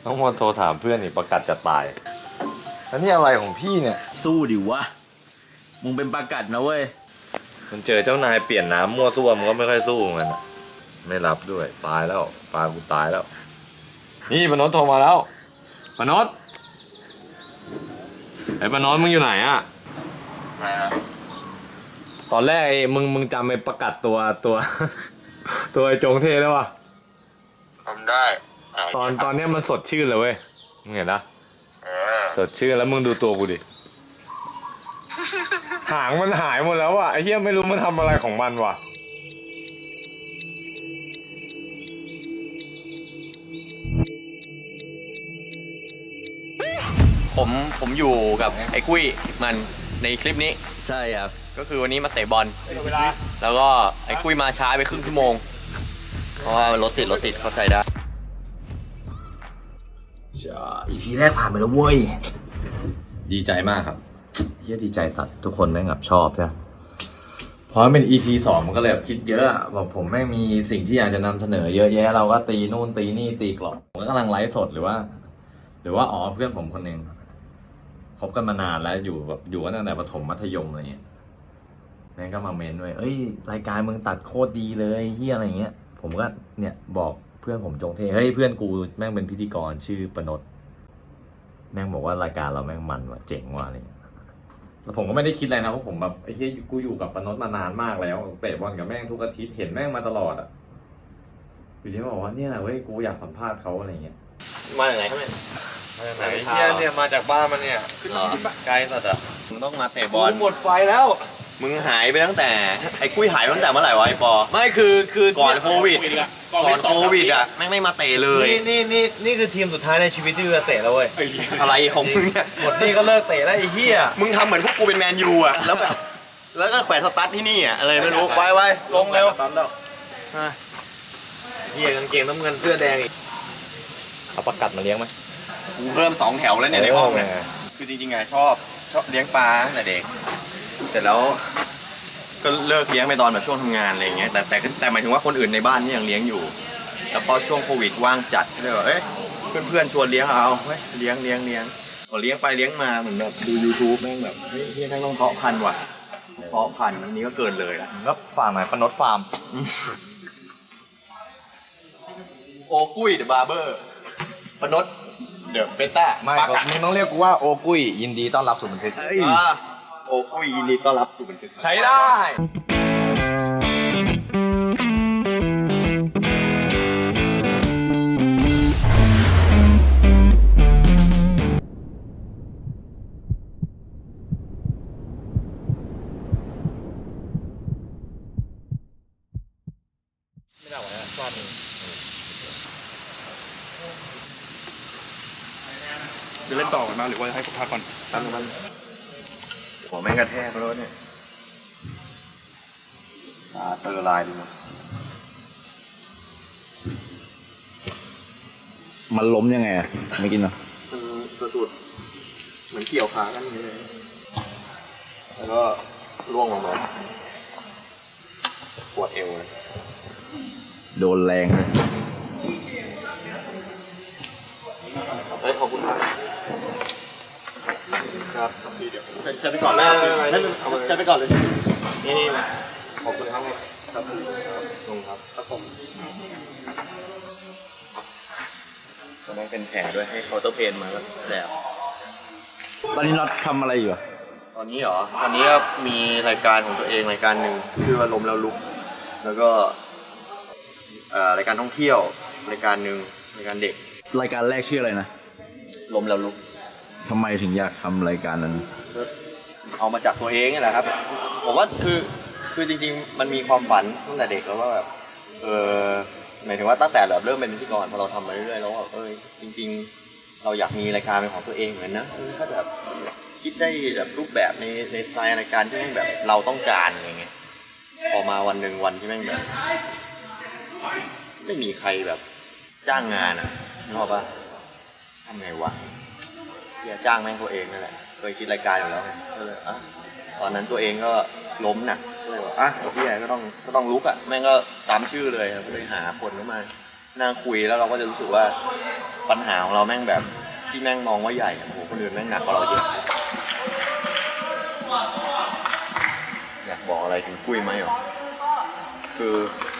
น้องมนโทรถามเพื่อนนี่ประกาศจะตายแล้วนี่อะไรของพี่เนี่ยสู้ดิวะมึงเป็นประกาศนะเว้ยมันเจอเจ้านายเปลี่ยนน้ำมั่วซั่วมันก็ไม่ค่อยสู้มันไม่รับด้วยตายแล้วปลากูตายแล้วนี่ปนนท์โทรมาแล้วปนนท์ไอ้ปนนท์มึงอยู่ไหนอะตอนแรกไอ้มึงจำไอ้ประกาศตัว ตัวไอ้จงเทได้ปะทำได้ตอนเนี้ยมันสดชื่นเลยเว้ยมึงเห็นนะสดชื่นแล้วมึงดูตัวกูดิ หางมันหายหมดแล้วว่ะไอ้เหี้ยไม่รู้มันทำอะไรของมันว่ะผมอยู่กับไอ้กุ้ยมันในคลิปนี้ใช่ครับก็คือวันนี้มาเตะบอลแล้วก็ไอ้กุ้ยมาช้าไปครึ่งชั่วโมงเพราะว่ารถติดเข้าใจได้ EP แรกผ่านไปแล้วเว้ยดีใจมากครับเฮียดีใจสัตว์ทุกคนแม่งแบบชอบใช่เพราะเป็น EP 2มันก็เลยแบบคิดเยอะบอกผมแม่งมีสิ่งที่อยากจะนำเสนอเยอะแยะเราก็ตีนู่นตีนี่ตีกรอบผมก็กำลังไลฟ์สดหรือว่าอ๋อเพื่อนผมคนหนึ่งคบกันมานานแล้วอยู่แบบอยู่กันตั้งแต่ประถมมัธยมอะไรเงี้ยแม่งก็มาเมนด้วยเอ้ยรายการมึงตัดโคตรดีเลยเฮียอะไรเงี้ยผมก็เนี่ยบอกเพื่อนผมจงเทเฮ้ยเพื่อนกูแม่งเป็นพิธีกรชื่อปนดแม่งบอกว่ารายการเราแม่งมันว่ะเจ๋งว่ะอะไรเงี้ยแล้วผมก็ไม่ได้คิดอะไรนะเพราะผมแบบไอ้เหี้ยกูอยู่กับปนดมานานมากแล้วเตะบอลกับแม่งทุกอาทิตย์เห็นแม่งมาตลอดอ่ะอยู่ที่บอกว่าเนี่ยแหละเว้ยกูอยากสัมภาษณ์เขาอะไรเงี้ยมาจากไหนครับเนี่ยมาจากไหนเนี่ยมาจากบ้านมันเนี่ยไกลสัตว์อ่ะมึงต้องมาเตะบอลหมดไฟแล้วมึงหายไปตั้งแต่ไอ้กุ้ยหายไปตั้งแต่เมื่อไหร่วะไอ้ปอไม่คือก่อนโควิดอ่ะแม่งไม่มาเตะเลยนี่คือทีมสุดท้ายในชีวิตที่จะเตะแล้วเว้ยอะไรของมึงเนี่ยหมดนี่ก็เลิกเตะแล้วไอ้เหี้ยมึงทำเหมือนพวกกูเป็นแมนยูอ่ะแล้วแบบแล้วก็แขวนสตั๊ดที่นี่อ่ะอะไรไม่รู้ไว้ลงเร็วเหี้ยกางเกงน้ำเงินเสื้อแดงอีกเอาประกัดมาเลี้ยงไหมกูเพิ่ม2 แถวแล้วเนี่ยในห้องเนี่ยคือจริงๆอ่ะชอบเลี้ยงปลาตั้งแต่เด็กเสร็จแล้วก็เลิกเลี้ยงไปตอนแบบช่วงทำงานอะไรอย่างเงี้ยแต่หมายถึงว่าคนอื่นในบ้านนี่ยังเลี้ยงอยู่แล้วพอช่วงโควิดว่างจัดก็เลยแบบเพื่อนชวนเลี้ยงเอาเฮ้ยเลี้ยงพอเลี้ยงไปเลี้ยงมาเหมือนแบบดู YouTube แม่งแบบเฮ้ยแม่งต้องเพาะพันธุ์ว่ะเพาะพันธุ์อันนี้ก็เกินเลยละแล้วฟาร์มไหนปนดฟาร์มโอกุ้ยเดอะบาร์เบอร์ปนดเดอะเบต้าไม่มึงต้องเรียกกูว่าโอกุ้ยยินดีต้อนรับสู่บันทึกโอกุ้ยยินดีต้อนรับสู่บันทึกใช้ได้ไม่ได้หรอกนะฟาดมึงจะเล่นต่อกันมาหรือว่าให้ผมพักก่อนมันหัวแม่งกระแทกแล้วเนี่ยเตอร์ลายดูมันล้มยังไงอ่ะไม่กินเหรอมันสะดุดเหมือนเกี่ยวขากันเลยแล้วก็ร่วงลงมาปวดเอวเลยโดนแรงเลยเฮ้ยขอบคุณครับครับเดี๋ยวใช้ไปก่อนไม่ใช้ไปก่อนเลยนี่ขอบคุณครับครับลงครับผมตอนนั้นเป็นแผลด้วยให้เคาน์เตอร์เพนมาแล้วแผลตอนนี้น็อตทำอะไรอยู่ตอนนี้เหรอตอนนี้ก็มีรายการของตัวเองรายการหนึ่งชื่อว่าลมแล้วลุกแล้วก็รายการท่องเที่ยวรายการหนึ่งรายการเด็กรายการแรกชื่ออะไรนะลมแล้วลุกทำไมถึงอยากทำรายการนั้นเอามาจากตัวเองนี่แหละครับผมว่าคือจริงๆมันมีความฝันตั้งแต่เด็กแล้วว่าแบบหมายถึงว่าตั้งแต่เริ่มเป็นพิธีกรพอเราทำมาเรื่อยๆแล้วจริงๆเราอยากมีรายการเป็นของตัวเองเหมือนนะถ้าแบบคิดได้แบบรูปแบบในสไตล์รายการที่แม่งแบบเราต้องการอย่างเงี้ยพอมาวันหนึ่งวันที่แม่งแบบไม่มีใครแบบจ้างงานอ่ะนึกออกปะทำไงวะอย่าจ้างแม่งตัวเองนั่นแหละเคยคิดรายการอยู่แล้วไงก็เลยตอนนั้นตัวเองก็ล้มหนักก็เลยว่าพี่ใหญ่ก็ต้องลุกอ่ะแม่งก็ตามชื่อเลยไปหาคนเข้ามานั่งคุยแล้วเราก็จะรู้สึกว่าปัญหาของเราแม่งแบบที่แม่งมองว่าใหญ่อะโอ้โหคนอื่นแม่งหนักกว่าเราเยอะอยากบอกอะไรถึงคุยไหมหรอคือ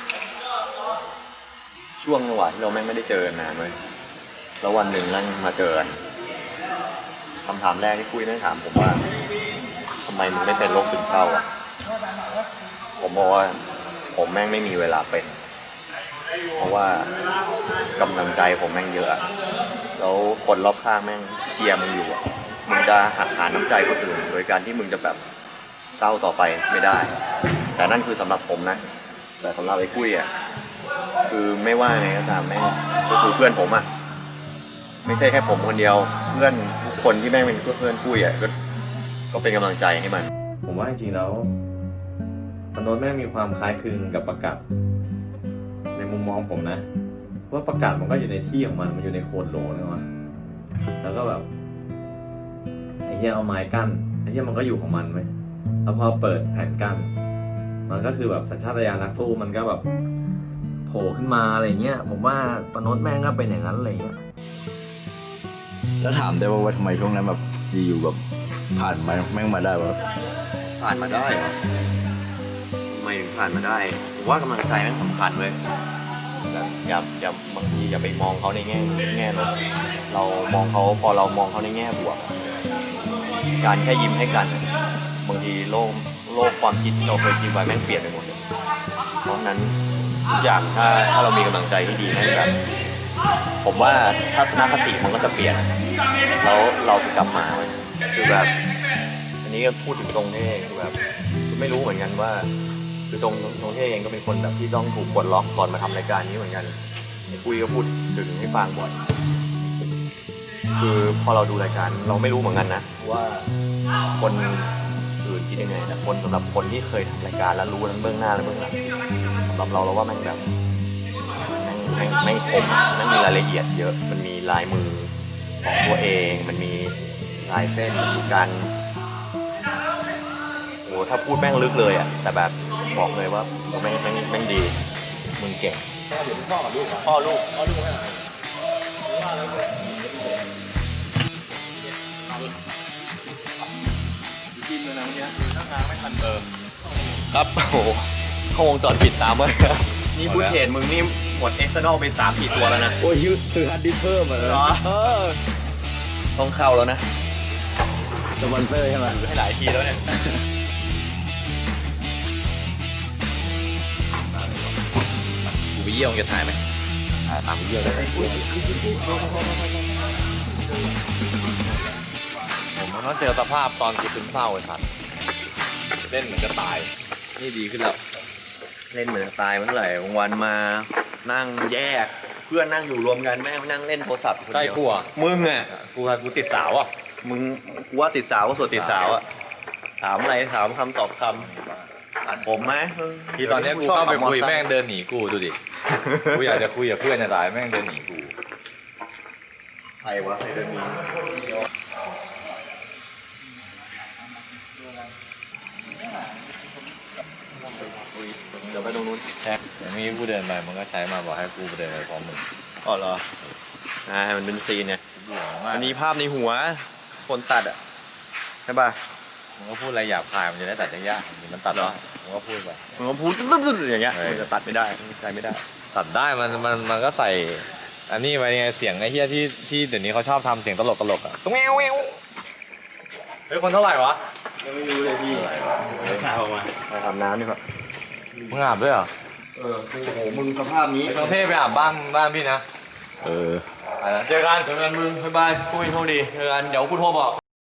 ช่วงจังหวะที่เราแม่งไม่ได้เจอกันนานเลยแล้ววันหนึ่งนั่งมาเจอกันคำถามแรกที่คุยนั่งถามผมว่าทำไมมึงไม่เป็นโรคซึมเศร้าอ่ะผมบอกว่าผมแม่งไม่มีเวลาเป็นเพราะว่ากำลังใจผมแม่งเยอะอะแล้วคนรอบข้างแม่งเชียร์มึงอยู่อะมึงจะหักหาน้ำใจคนอื่นโดยการที่มึงจะแบบเศร้าต่อไปไม่ได้ แต่นั่นคือสำหรับผมนะแต่สำหรับไอ้กุ้ยอะคือไม่ว่าไงก็ตามแม่งก็คือเพื่อนผมอะไม่ใช่แค่ผมคนเดียวเพื่อนทุกคนที่แม่งเป็นเพื่อนกุ้ยอะก็เป็นกำลังใจให้มันผมว่าจริงๆแล้วปนนท์แม่งมีความคล้ายคลึงกับประกาศในมุมมองผมนะว่าประกาศมันก็อยู่ในที่ของมันอยู่ในโคดโหลนี่วะแล้วก็แบบไอ้เหี้ยเอาไม้กั้นไอ้เหี้ยมันก็อยู่ของมันไหมแล้วพอเปิดแผ่นกั้นมันก็คือแบบสัญชาตญาณนักสู้มันก็แบบโผล่ขึ้นมาอะไรเงี้ยผมว่าปนนท์แม่งก็เป็นอย่างนั้นอะไรเงี้ยแล้วถามได้ว่าทำไมช่วงนั้นแบบอยู่ๆแบบผ่านมาแม่งมาได้วะผ่านมาได้เหรอทำไมถึงผ่านมาได้ผมว่ากำลังใจมันสำคัญเลยแบบอย่าบางทีอย่าไปมองเขาในแง่ลบเรามองเขาพอเรามองเขาในแง่บวก การแค่ยิ้มให้กันบางทีโลกความคิดที่เราเคยคิดไว้แม่งเปลี่ยนไปหมดเลยเพราะฉะนั้นทุกอย่างถ้าเรามีกำลังใจที่ดีนั่นแบบผมว่าทัศนคติมันก็จะเปลี่ยนแล้วเราจะกลับมาเว้ยคือแบบอันนี้ก็พูดถึงตรงเท่คือแบบไม่รู้เหมือนกันว่าคือตรงเท่เองก็เป็นคนแบบที่ต้องถูกกดล็อกก่อนมาทำรายการนี้เหมือนกันคุยก็พูดถึงให้ฟังบ่อยคือพอเราดูรายการเราไม่รู้เหมือนกันนะว่าคนอื่นคิดยังไงแต่คนสำหรับคนที่เคยทำรายการแล้วรู้ทั้งเบื้องหน้าและเบื้องหลังสำหรับเราว่าแม่งแบบแม่งคมแม่งมีรายละเอียดเยอะมันมีลายมือของตัวเองมันมีลายเส้นมีการโอ้ถ้าพูดแม่งลึกเลยอ่ะแต่แบบบอกเลยว่าแม่งดีมึงเก่งเดี๋ยวพ่อกับลูกพ่อลูกให้หน่อยกินเลยนะเมื่อกี้ตั้งงานไม่ทันครับโอ้โหเข้าวงจรปิดตามมานี่พูดเห็นมึงนี่หมดเอ็กซ์เตอร์นอลไป3-4 ตัวแล้วนะโอ้ยซื้อฮาร์ดดิสก์เพิ่มอ่ะเหรอต้องเข้าแล้วนะสปอนเซอร์ใช่ไหมให้หลายทีแล้วเนี่ยกูไปเยี่ยมจะถ่ายไหมถ่ายตามไปเยี่ยมเลยผมต้องเจอสภาพตอนกูซึมเศร้าไอ้สัตว์เล่นเหมือนจะตายนี่ดีขึ้นแล้วเล่นเหมือนจะตายเมื่อไหร่วันมานั่งแยกเพื่อนนั่งอยู่รวมกันแม่งนั่งเล่นโทรศัพท์คนเดียวใช่กูอ่ะมึงอ่ะกูติดสาวอ่ะมึงกูว่าติดสาวก็ส่วนติดสาวอะถามอะไรถามคำตอบคำตัดผมไหมที่ตอนนี้กูเข้าไปคุยแม่งเดินหนีกูดูดิ กูอยากจะคุยกับเพื่อนจะตายแม่งเดินหนีกูใครวะใครเดินหนีเดี๋ยวไปตรงนู้นอย่างนี้กูเดินไปมันก็ใช้มาบอกให้กูเดินไปพร้อมมึงอ๋อเหรอมันเป็นซีนเนี่ยมากอันนี้ภาพในหัวคนตัดอะใช่ป่ะมึงก็พูดอะไรหยาบคายมันจะได้ตัดยากๆมันตัดได้มึงก็พูดไปมึงก็พูดตึ๊ดๆอย่างเงี้ยมันจะตัดไม่ได้ใช้ไม่ได้ตัดได้มันก็ใส่ อันนี้ไปไงเสียงไอ้เหี้ยที่เดี๋ยวนี้เขาชอบทำเสียงตลกอ่ะตุ้งแงวเฮ้ยคนเท่าไหร่วะยังไม่รู้เลยพี่อาบมาไปอาบน้ำดีกว่ามึงอาบด้วยเหรอโอ้โหมึงสภาพนี้ต้องเทพไปอาบบ้านพี่นะ เจอกันมึงบ๊ายบายคุยโทษดีเจอกันเดี๋ยวกูโทรบอก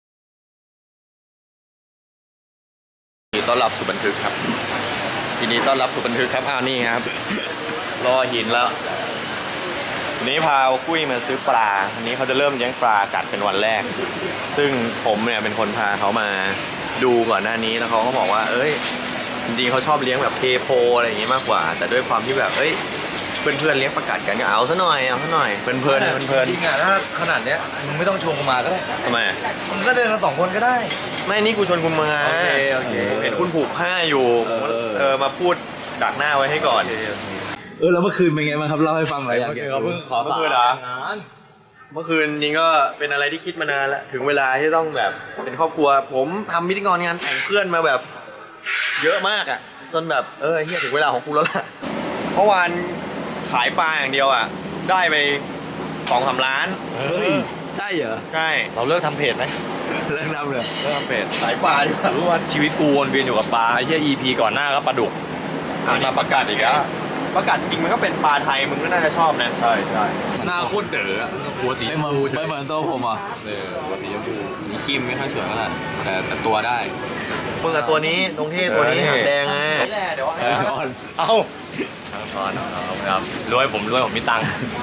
ต้อนรับสู่บันทึกครับทีนี้ต้อนรับสู่บันทึกครับนี่ครับรอหินแล้ววันนี้พากุ้ยมาซื้อปลาวันนี้เขาจะเริ่มเลี้ยงปลากัดเป็นวันแรกซึ่งผมเนี่ยเป็นคนพาเขามาดูก่อนหน้านี้แล้วเขาก็บอกว่าจริงๆเขาชอบเลี้ยงแบบเทโพอะไรอย่างงี้มากกว่าแต่ด้วยความที่แบบเพื่อนๆเลี้ยงประกาศกันก็เอาซะหน่อยเพลินจริงอ่ะถ้าขนาดเนี้ยมึงไม่ต้องชวนกูมาก็ได้ทำไมมึงก็เดินมา2 คนก็ได้ไม่นี่กูชวนคุณมาโอเคเห็นคุณผูกผ้าอยู่มาพูดดักหน้าไว้ให้ก่อนแล้วเมื่อคืนเป็นไงบ้างครับเล่าให้ฟังหน่อยอยากเมื่อคืนเหรอเมื่อคืนจริงก็เป็นอะไรที่คิดมานานแล้วถึงเวลาที่ต้องแบบเป็นครอบครัวผมทำพิธีกรงานแต่งเพื่อนมาแบบ เยอะมากอ่ะจนแบบเฮียถึงเวลาของกูแล้วล่ะเมื่อวานขายปลาอย่างเดียวอ่ะได้ไป2-3 ล้านเฮ้ยใช่เหรอใช่เราเลิกทำเพจไหมเรื่องนำเลยเลิกทำเพจขายปลาดีกว่ารู้ว่าชีวิตกูวนเวียนอยู่กับปลาไอ้เหี้ย EP ก่อนหน้าก็ปลาดุกมาประกาศอีกแล้วประกาศจริงมันก็เป็นปลาไทยมึงก็น่าจะชอบนะใช่ใช่หน้าโคตรเด๋อหัวสีชไม่มเหมือนพูไม่เหมือนตัวผมอ่ะหัวสีชมพูมีครีมไม่ค่อยสวยเท่าไหร่แต่ตัวได้มึงกับตัวนี้ตรงที่ตัวนี้หางแดงไงนี่แหละเดี๋ยวเอ้าทั้งช้อนครับรวยผมมีตังค์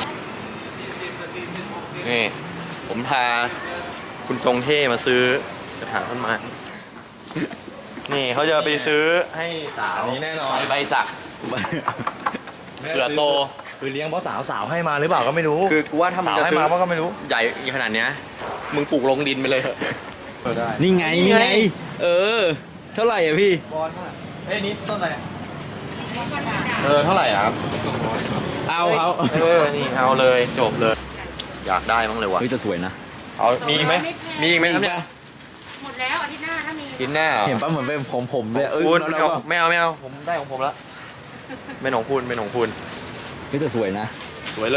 นี่ผมพาคุณจงเท่มาซื้อกระถางต้นไม้นี่เขาจะไปซื้อให้สาวอันนี้แน่นอนใบสักเผื่อโตคือเลี้ยงเพราะสาวให้มาหรือเปล่าก็ไม่รู้คือกูว่าถ้ามึงสาวจะให้ซื้อมาก็ไม่รู้ใหญ่ขนาดเนี้ยมึงปลูกลงดินไปเลยเถอะได้นี่ไงนี่ไงเท่าไหร่อ่ะพี่บอลว่าเอ้ยนี่ต้นอะไรเท่าไหร่อะครับเอานี่เอาเลยจบเลย อยากได้บ้างเลยว่ะเฮ้ยจะสวยนะเอามีอีกไหมมีอีกไหมครับเนี่ยหมดแล้วอาทิตย์หน้าถ้ามีกินแน่เหรอเห็นป่ะเหมือนเป็นผมเลยคุณแล้วก็ไม่เอาผมได้ของผมละเป็นของคุณเป็นของคุณเฮ้ยจะสวยนะสวยเลย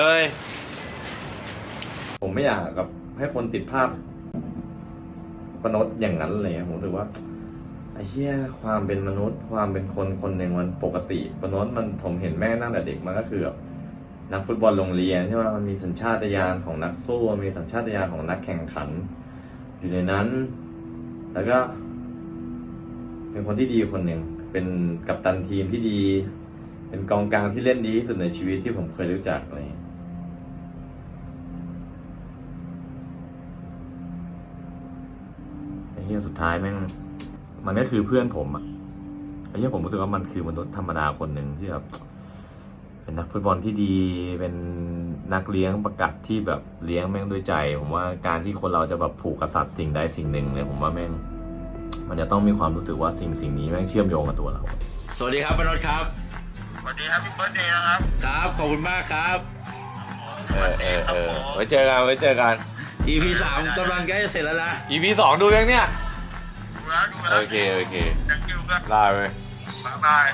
ผมไม่อยากกับให้คนติดภาพมนุษย์อย่างนั้นเลยผมรู้สึกว่าไอ้เหี้ยความเป็นมนุษย์ความเป็นคนคนหนึ่งมันปกติมนุษย์มันผมเห็นแม่ตั้งแต่เด็กมันก็คือแบบนักฟุตบอลโรงเรียนใช่ไหมมันมีสัญชาตญาณของนักสู้มีสัญชาตญาณของนักแข่งขัน อยู่ในนั้น แล้วก็ เป็นคนที่ดีคนหนึ่งเป็นกัปตันทีมที่ดี เป็นกองกลางที่เล่นดีที่สุดในชีวิตที่ผมเคยรู้จักอะไรอย่างเงี้ยไอ้เหี้ยสุดท้ายแม่งมันก็คือเพื่อนผมอะไอ้เหี้ยผมรู้สึกว่ามันคือมนุษย์ธรรมดาคนหนึ่งที่แบบเป็นนักฟุตบอลที่ดีเป็นนักเลี้ยงประกัดที่แบบเลี้ยงแม่งด้วยใจ ผมว่าการที่คนเราจะแบบผูกกับสัตว์สิ่งใดสิ่งหนึ่งเนี่ยผมว่าแม่งมันจะต้องมีความรู้สึกว่าสิ่งนี้แม่งเชื่อมโยงกับตัวเราสวัสดีครับปนดครับสวัสดีครับพี่เบิร์ดเดย์นะครับครับขอบคุณมากครับไว้เจอกัน EP 3กำลังใกล้จะเสร็จแล้วนะ EP 2ดูยังเนี่ยดูแล้วโอเคยังคิวก็ได้เว้ยบาย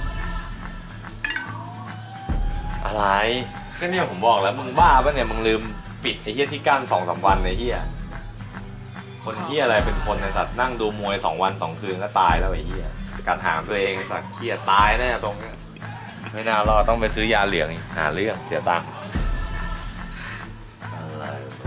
อะไรก็เนี่ยผมบอกแล้วมึงบ้าปะเนี่ยมึงลืมปิดไอ้เหี้ยที่กั้น2-3 วันไอ้เหี้ยคนเหี้ยอะไรเป็นคนในสัตว์นั่งดูมวย2 วัน 2 คืนก็ตายแล้วไอ้เหี้ยกัดหางตัวเองสัตว์เหี้ยตายแน่ตรงเนี้ยไม่น่ารอดต้องไปซื้อยาเหลืองอีกหาเรื่องเสียตังค์อะไร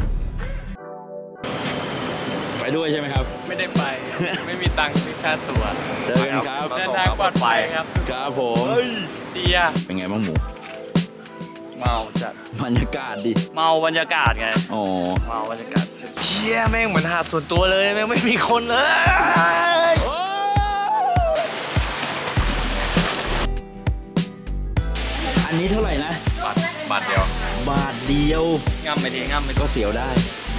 ไปด้วยใช่ไหมครับไม่ได้ไป ไม่มีตังค์ซื้อค่าตั๋วเจอกันครับเดินทางปลอดภัยครับครับผมเสียเป็นไงบ้างหมูเมาจัดบรรยากาศดิเมาบรรยากาศไงอ๋อเมาบรรยากาศเชี่ยแม่งเหมือนหาดส่วนตัวเลยแม่งไม่มีคนเลยอันนี้เท่าไหร่นะบาทเดียวบาทเดียวง่ำไปทีง่ำไปก็เสียวได้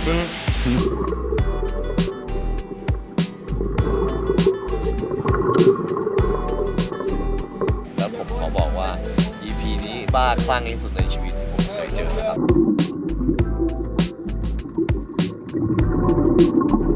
แล้วผมขอบอกว่า EP นี้บ้าคลั่งที่สุดในชีวิตที่ผมเคยเจอนะครับ